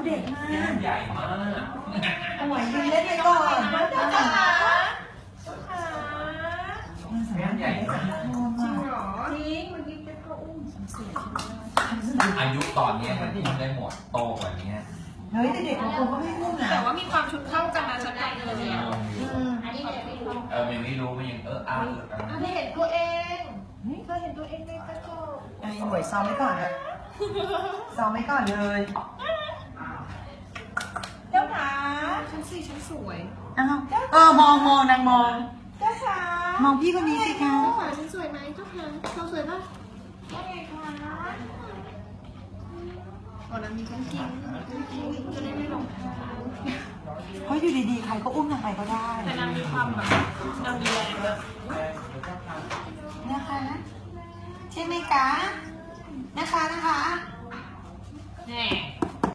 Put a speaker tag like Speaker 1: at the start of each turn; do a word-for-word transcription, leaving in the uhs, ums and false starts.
Speaker 1: เด็กมาก
Speaker 2: แก้มใหญ่มาก
Speaker 1: โอ้ยยืนเล่นไปก่อนมาจ้า
Speaker 2: แก้มใหญ่มาก
Speaker 1: จริงเหรอ
Speaker 3: จริงเมื่อกี้เจ๊ก็อุ้มเสียง
Speaker 2: อายุตอนนี้มันอุ้มได้หมดโตกว่านี้
Speaker 1: เฮ้ยแต่เด็กของผมก็ไม่พูดนะ
Speaker 3: แต่ว่ามีความชุดเข้ากันนะฉันได้เลย
Speaker 2: เอ
Speaker 3: เนี่ย
Speaker 2: อ
Speaker 1: อืม
Speaker 3: อันนี้เด็กไม่รู้
Speaker 2: เออมันไม่รู้มันยังเอออาร์
Speaker 3: อันนี้เห็นตัวเองเธอเห็นตัวเองในกระจก
Speaker 1: ไอ้หน่วยซ้อมไว้ก่อนอะซ้อมไว้ก่อนเลยเจ้าขา
Speaker 3: ฉันสิฉันสวย
Speaker 1: อ้าวเออมองมองนางมอง
Speaker 3: เจ้าขาม
Speaker 1: องพี่คนนี้สิคะ
Speaker 3: เจ้าขาฉันสวยไหมเจ้าขาเราสวยป่ะว่าไงคะอ๋อนั้นมีทั้งจริงมีทั้งจริงจะได้ไม่หลงทาง
Speaker 1: เพราะอยู่ดีๆใครก็อุ้มนางไปก็ได้
Speaker 3: แต่นางมีความแบบนางมีแรงเยอะ
Speaker 1: นะคะใช่ไหมคะนะคะนะคะ
Speaker 3: แน่